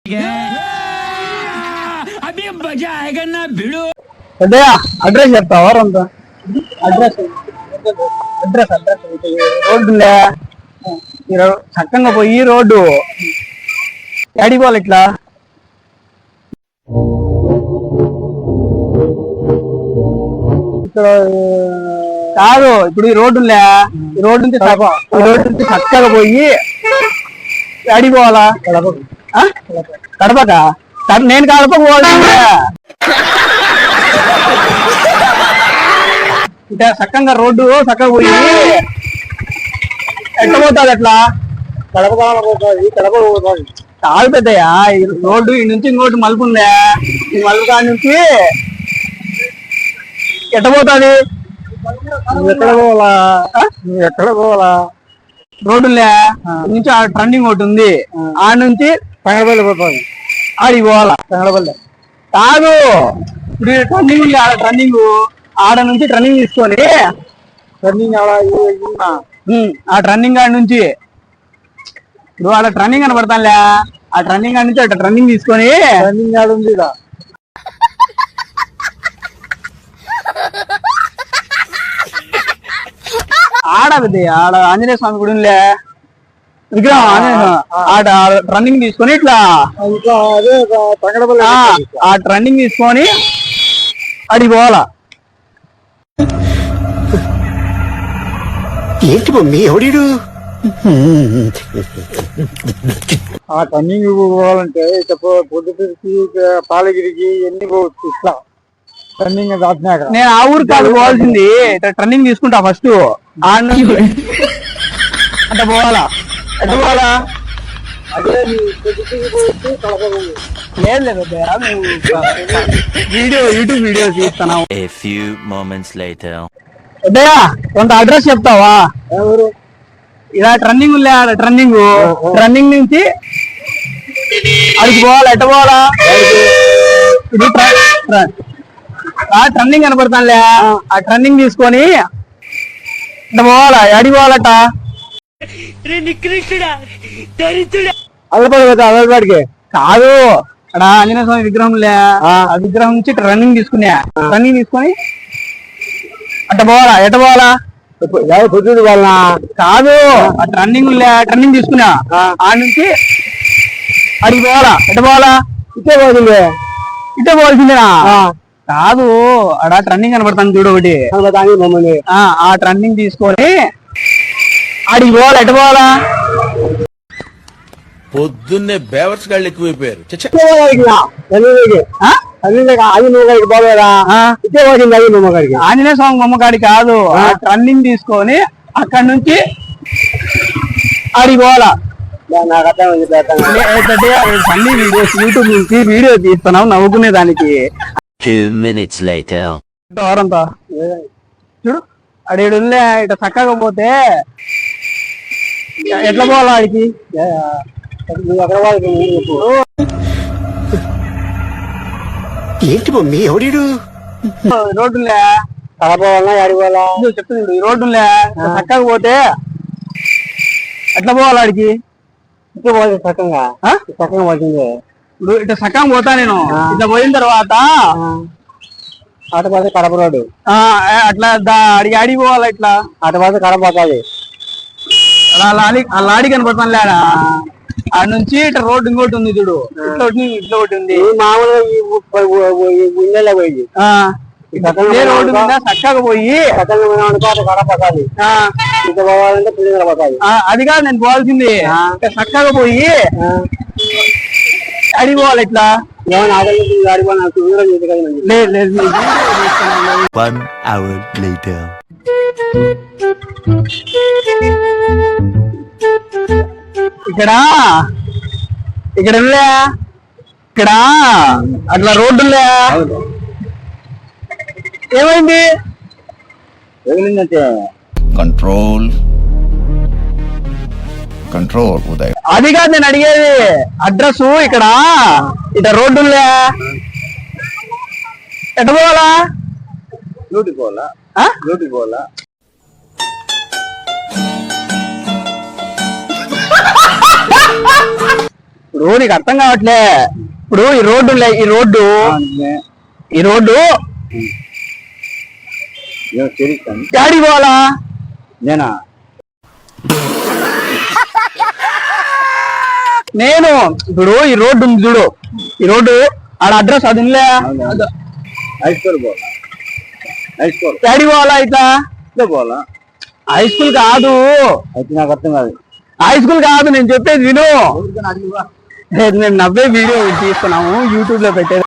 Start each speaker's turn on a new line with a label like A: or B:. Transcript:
A: Address చెప్తావా అంత address address address రోడ్డులే చక్కగా పోయి రోడ్డు ఎడిపోవాలి ఇట్లా ఇక్కడ కాదు ఇప్పుడు ఈ రోడ్డులే ఈ రోడ్డు నుంచి చక్కగా పోయి ఎడిపోవాలా కడపకా నేను కడపకు పోవాల్సిందే ఇట్లా చక్కగా రోడ్డు చక్కగా పోయి ఎట్లా పోతుంది అట్లా కడప కాదు పెద్దయ్యా ఈ రోడ్డు ఈ నుంచి ఇంకోటి మలుపు ఉందా ఈ మలుపు కాడి నుంచి ఎట్ట పోతుంది ఎక్కడ పోవాలా రోడ్డులే నుంచి ఆ ట్రెండింగ్ ఒకటి ఉంది ఆ నుంచి పెంగళపల్లి పోతుంది ఆడికి పోవాలా పెంగళపల్లి కాదు ఇప్పుడు ట్రెండింగ్ ఉంది ఆడ ట్రెండింగ్ ఆడ నుంచి ట్రెండింగ్ తీసుకొని ట్రెండింగ్ ఆ ట్రెండింగ్ ఆడ నుంచి ఇప్పుడు ఆడ ట్రెండింగ్ కనపడతానులే ఆ ట్రెండింగ్ ఆడ నుంచి అట్లా ట్రెండింగ్ తీసుకొని ట్రెండింగ్ ఆడ ఉంది ఆడ ఆడ ఆంజనేయ స్వామి గుడి విగ్రహం ఆడ ట్రెండింగ్ తీసుకొని ఇట్లా ఆ ట్రెండింగ్ తీసుకొని అడిగి పోవాలా
B: ఏంటి మమ్మీ ఎవడీడు
A: ఆ టర్నింగ్ పోవాలంటే పొద్దుటికి పాలగిరికి ఎన్ని పోవచ్చు ఇట్లా టర్నింగ్ దాటినాక నేను ఆ ఊరు కాదు పోవాల్సింది టర్నింగ్ తీసుకుంటా ఫస్ట్ అంటే పోవాలా ఎట్లా పోవాలా వీడియో యూట్యూబ్ వీడియో చూస్తాను కొంత అడ్రస్ చెప్తావా ఎవరు ఇలా ట్రెండింగ్ ట్రెండింగ్ నుంచి అడిగి పోవాలా ఎట్ట పోవాలా ఇది ట్రెండింగ్ కనపడతానులే ఆ ట్రెండింగ్ తీసుకొని ఇట్లా పోవాలా అడిగి పోవాలట అల్లపాడికి కాదు అక్కడ ఆంజనేయ స్వామి విగ్రహంలే ఆ విగ్రహం నుంచి రన్నింగ్ తీసుకున్నా రన్నింగ్ తీసుకొని అట్ట పోవాలా ఎట్ట పోవాలా పొద్దుడు వాళ్ళ కాదు అట్లా రన్నింగ్ తీసుకున్నా ఆ నుంచి అడిగి పోవాలా ఎట్ట పోవాలా ఇట్టే పోవాల్సిందేనా కాదు అడ ట్రెండింగ్ కనపడతాను చూడు ఒకటి ఆ ట్రెండింగ్ తీసుకొని అడిగి పోవాలా ఎట్ట పోవాలా
B: పొద్దున్నే బేవర్స్ గాళ్ళు ఎక్కువైపోయారు
A: ఆంజనేయ స్వామి బొమ్మకాడి కాదు రన్నింగ్ తీసుకొని అక్కడ నుంచి అడిగి పోవాలా అన్ని వీడియోస్ యూట్యూబ్ నుంచి వీడియో తీస్తున్నాం నవ్వుకునే దానికి
C: 2 minutes later.
A: ఎవరంతా చూడు అడిగి ఇట్లా చక్కగా పోతే ఎట్లా పోవాలా ఆడికి
B: ఏంటి మమ్మీ ఎవడీడు
A: రోడ్డులే తలపోవాలా ఆడిపోవాలా చెప్తుంది ఈ రోడ్డులే చక్కగా పోతే ఎట్లా పోవాలి ఆడికి ఇట్లా పోవాలి చక్కగా పోతుంది ఇప్పుడు ఇట్లా సక్కగా పోతా నేను ఇట్లా పోయిన తర్వాత అటుపోతే కడప రోడ్డు అట్లా అడిగి ఆడికి పోవాలా ఇట్లా అటుపోతే కడప పోతుంది లాడి కనపడతాను లేడా ఆ నుంచి ఇట్లా రోడ్డు ఇంకోటి ఉంది చూడు ఇట్లా ఒకటి ఉంది మామూలుగా పోయి రోడ్డు మీద చక్కగా పోయి కడపకాలి పోవాలంటే పోతాది అది కాదు నేను పోవాల్సింది చక్కగా పోయి అడిగిపోవాలి ఇట్లా లేదు
C: 1 hour later.
A: ఇక్కడ అట్లా రోడ్డులే ఏమైంది
B: కంట్రోల్ ఉదయ్
A: అది కాదు నేను అడిగేది అడ్రస్ ఇక్కడ ఇట్లా రోడ్డులే ఎట్ట పోవాలా
D: పోవాలా
A: ఇప్పుడు నీకు అర్థం కావట్లే. ఇప్పుడు ఈ రోడ్డు డాడీ పోవాలా?
D: నేనా
A: నేను ఇప్పుడు ఈ రోడ్డు ఉంది చూడు, ఈ రోడ్డు ఆడ అడ్రస్ అది ఉందిలే.
D: హై స్కూల్ పోవాలా? హై స్కూల్
A: డాడీ పోవాలా? ఇట్లా
D: పోవాలా?
A: హై స్కూల్ కాదు,
D: అయితే నాకు అర్థం కాదు.
A: హై స్కూల్ కాదు, నేను చెప్పేది విను. మేము నవ్వే వీడియో తీసుకున్నాము, యూట్యూబ్ లో పెట్టేది.